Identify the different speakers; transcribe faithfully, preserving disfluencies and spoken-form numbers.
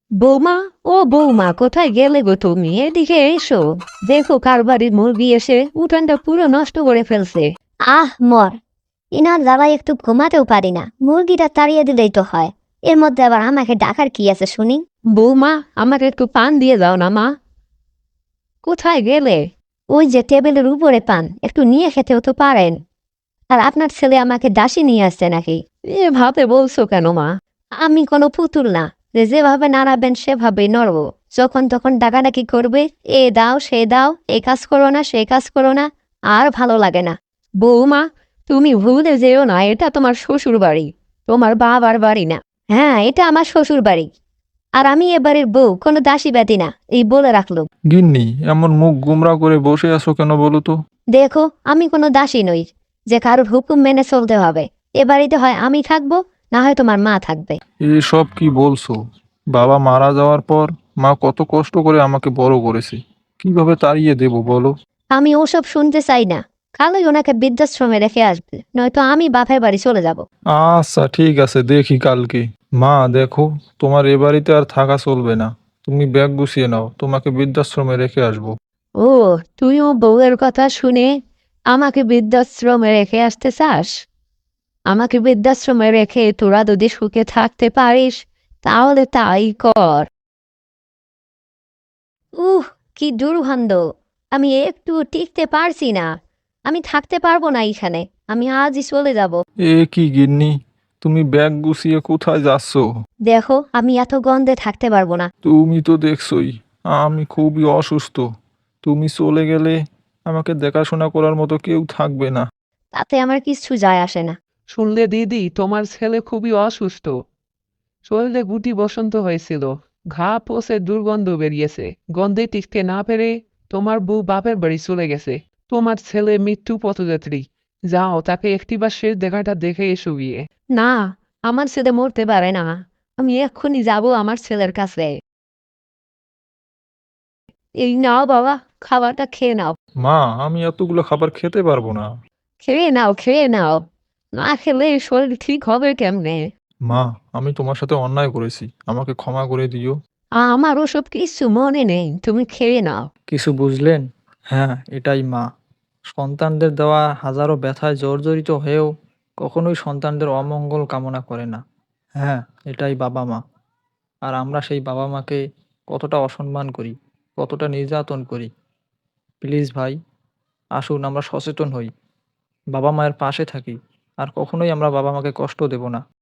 Speaker 1: বৌমা, ও বৌমা, কোথায় গেলে গো তুমি? এদিকে এসো। দেখো কার বাড়ির মুরগি এসে উঠানটা পুরো নষ্ট করে ফেলছে।
Speaker 2: আহ মর, ইনার জ্বালায় একটু ঘুমাতেও পারি না, মুরগিটা তাড়িয়ে দিলেই তো হয়। এর মধ্যে আবার আমাকে ডাকার কি আছে শুনি?
Speaker 1: বৌমা, আমাকে একটু পান দিয়ে দাও না মা। কোথায় গেলে?
Speaker 2: ওই যে টেবিলের উপরে পান, একটু নিয়ে খেতেও তো পারেন। আর আপনার ছেলে আমাকে দাসী নিয়ে আসছে নাকি?
Speaker 1: এভাবে বলছো কেন মা?
Speaker 2: আমি কোনো পুতুল না যে যেভাবে নাড়াবেন সেভাবেই নড়বো। যখন তখন ডাকাডাকি করবে, এ দাও সে দাও, এ কাজ করো না সে কাজ করো না, আর ভালো লাগে না।
Speaker 1: বৌমা, তুমি ভুলে যেও না, এটা তোমার শ্বশুর বাড়ি, তোমার বাবার বাড়ি না।
Speaker 2: হ্যাঁ, এটা আমার শ্বশুর বাড়ি, আর আমি এবারের বউ, কোনো দাসী ব্যাতি না, এই বলে রাখলো।
Speaker 3: গিন্নি, এমন মুখ গুমরা করে বসে আছো কেন বলো তো?
Speaker 2: দেখো, আমি কোনো দাসী নই যে কারোর হুকুম মেনে চলতে হবে। এ বাড়িতে হয় আমি থাকবো, না হয় তোমার মা থাকবে।
Speaker 3: এসব কি বলছো? বাবা মারা যাওয়ার পর মা কত কষ্ট করে আমাকে বড় করেছে, কিভাবে তাড়িয়ে দেব বলো?
Speaker 2: আমি ওসব শুনতে চাই না। কালই ওনাকে বৃদ্ধাশ্রমে রেখে আসবে, নয়তো আমি বাপের বাড়ি চলে যাব।
Speaker 3: আচ্ছা ঠিক আছে, দেখি কালকে। মা দেখো, তোমার এ বাড়িতে আর থাকা চলবে না। তুমি ব্যাগ গুছিয়ে নাও, তোমাকে বৃদ্ধাশ্রমে রেখে আসবো।
Speaker 1: ও, তুইও বউয়ের কথা শুনে আমাকে বৃদ্ধাশ্রমে রেখে আসতে চাস? আমাকে বৃদ্ধাশ্রমে রেখে তোরা যদি সুখে থাকতে পারিস, তাহলে তাই কর।
Speaker 2: উহ, কি দুর্গন্ধ! আমি একটু টিকতে পারছি না। আমি থাকতে পারবো না এখানে। আমি আজই চলে যাব।
Speaker 3: এ কি গিন্নি, তুমি ব্যাগ গুছিয়ে কোথায় যাচ্ছো?
Speaker 2: দেখো, আমি এত গন্ধে থাকতে পারবো না।
Speaker 3: তুমি তো দেখছোই আমি খুবই অসুস্থ। তুমি চলে গেলে আমাকে দেখাশোনা করার মতো কেউ থাকবে না।
Speaker 2: তাতে আমার কিছু যায় আসে না।
Speaker 4: শুনলে দিদি, তোমার ছেলে খুবই অসুস্থ। শরীরে গুটি বসন্ত হয়েছিল, ঘা পচে দুর্গন্ধ বেরিয়েছে। গন্ধে টিকতে না পেরে তোমার বউ বাপের বাড়ি চলে গেছে। তোমার ছেলে মৃত্যু পথযাত্রী। যাও, তাকে একটিবার শেষ দেখাটা দেখে এসো গিয়ে।
Speaker 1: না, আমার ছেলে মরতে পারে না। আমি এক্ষুনি যাব আমার ছেলের কাছে। এই নাও বাবা, খাবারটা খেয়ে নাও।
Speaker 3: মা, আমি এতগুলো খাবার খেতে পারবো না।
Speaker 1: খেয়ে নাও, খেয়ে নাও। না খেলে শরীর ঠিক হবে কেমনে?
Speaker 3: মা, আমি তোমার সাথে অন্যায় করেছি, আমাকে ক্ষমা করে দিও।
Speaker 1: আমার ওসব কিছু মনে নেই, তুমি খেয়ে নাও।
Speaker 5: কিছু বুঝলেন? হ্যাঁ, এটাই মা। সন্তানদের দেওয়া হাজারো ব্যথায় জর্জরিত হয়েও কখনোই সন্তানদের অমঙ্গল কামনা করে না। হ্যাঁ, এটাই বাবা মা। আর আমরা সেই বাবা মাকে কতটা অসম্মান করি, কতটা নির্যাতন করি। প্লিজ ভাই, আসুন আমরা সচেতন হই, বাবা মায়ের পাশে থাকি, আর কখনোই আমরা বাবা মাকে কষ্ট দেব না।